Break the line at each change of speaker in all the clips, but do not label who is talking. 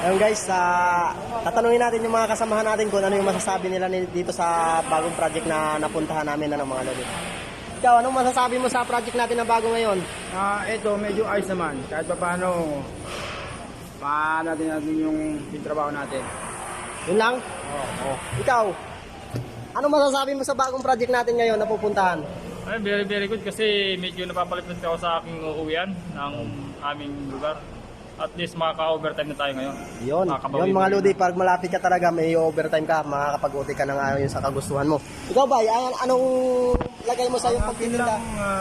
Ayun guys, tatanungin natin yung mga kasamahan natin kung ano yung masasabi nila dito sa bagong project na napuntahan namin na ng mga lodi. Ikaw, anong masasabi mo sa project natin na bago ngayon?
Ito, medyo ayos naman. Kahit pa paano, natin yung trabaho natin.
Yun lang? Oo. Ikaw, anong masasabi mo sa bagong project natin ngayon na pupuntahan?
Ay, very very good kasi medyo napapalitan ako sa aking uuwian ng aming lugar. At least makaka-overtime na tayo ngayon.
Yun mga lodi, pag malapit ka talaga, may overtime ka, makakapag-uti ka ng ayon sa kagustuhan mo. Ikaw ba, anong lagay mo sa iyong pagtitinda?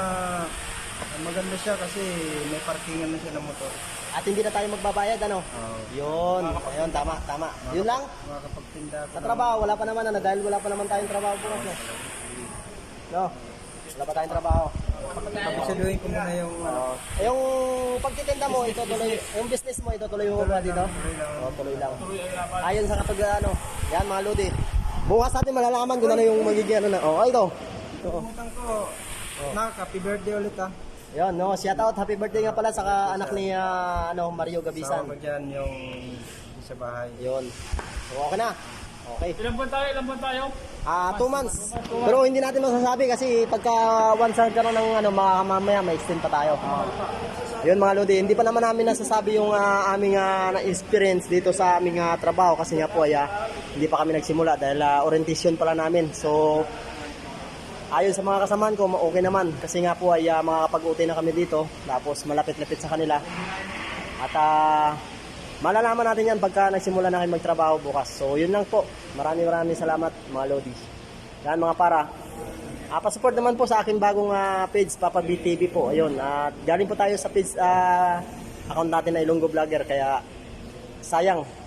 Maganda siya kasi may parkingan na siya ng motor.
At hindi na tayo magbabayad, ano? Yun, ayun, tama. Yun lang?
Makakapagtinda
Sa trabaho, wala pa naman, ano, dahil wala pa naman tayong trabaho bukas, no? No? Wala pa tayong trabaho.
Pagsaluhin ko muna yung
Yung pagtitinda mo, itutuloy, yung business mo, itutuloy mo ba dito? Tuloy lang. Ayon sa yan mga lodi. Bukas natin malalaman kung ano yung magiging ano na. Ito.
Pumutang ko. Happy birthday ulit
Yan, no, shout out, happy birthday nga pala sa anak ni Mario Gabisan.
Sama ko dyan yung sa bahay.
Yun. So, okay na. Okay.
Ilan buwan tayo?
2 months. Pero hindi natin masasabi kasi pagka once nagkaroon ng mamaya may extend pa tayo. Yun mga lodi, hindi pa naman namin nasasabi yung aming na-experience dito sa aming trabaho kasi nga po hindi pa kami nagsimula dahil orientation pala namin. So ayon sa mga kasamahan ko, okay naman kasi nga po ay makakapag-uti na kami dito tapos malapit-lapit sa kanila. At malalaman natin yan pagka nagsimula na kayo magtrabaho bukas. So yun lang po. Maraming salamat mga lodi. Yan mga para. Pa-support naman po sa aking bagong page, Papa BTV po. Ayun, galing po tayo sa page account natin na Ilonggo Vlogger. Kaya sayang